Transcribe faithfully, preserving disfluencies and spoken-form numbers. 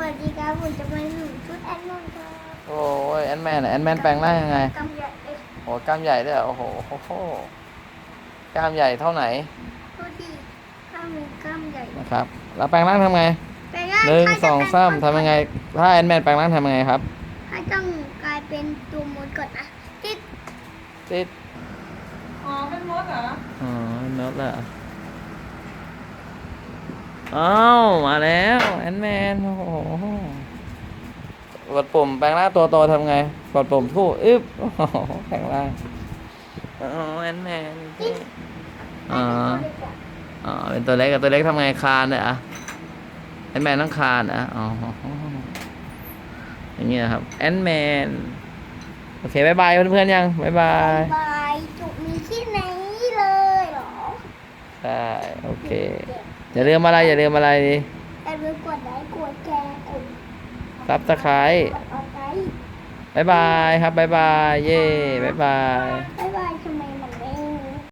วัสดีครับผมจะมาหนุนชุดแอนนอนครับโอ้ยแอนแมนแอนแมนแปลงร่างยังไงกำใหญ่เอ้ยโอ้กล้ามใหญ่ด้วยเหรอโอ้โหโอ้โหกล้ามใหญ่เท่าไหนตัวที่ข้ามมีกล้ามใหญ่นะครับแล้วแปลงร่างทำไงแปลงร่างหนึ่งถ้าสจะองเป็นสามทำยังไง ถ้าแอนแมนแปลงร่างทำยังไงครับถ้าต้องกลายเป็นตัวมดก่อนนะติดติดอ๋อเป็นมดเหรออ๋อโน้ตละอ้าวมาแล้วแอนแมนโอ้โหกดปุ่มแปลงร่างตัวโตทำไงกดปุ่มทู่อึ๊บโอ้โหแปลงร่างอ๋อแอนแมนอ๋อตัวเล็กอะอ๋อเป็นตัวเล็กกับตัวเล็กทำไงคลานเนี่ยอะแอนแมนต้องคลานอ่ะอ๋ออย่างเงี้ยครับแอนแมนโอเคบายบายเพื่อนๆยังบายบายบายจุกมีที่ไหนเลยเหรอใช่โอเคอย่าลืมอะไรอย่าลืมอะไรดิแต่เมื่อกดไลค์กดแชร์กดซับสไครต์กดออนไลน์บายบายครับบายบายเย่บายบายบ๊าย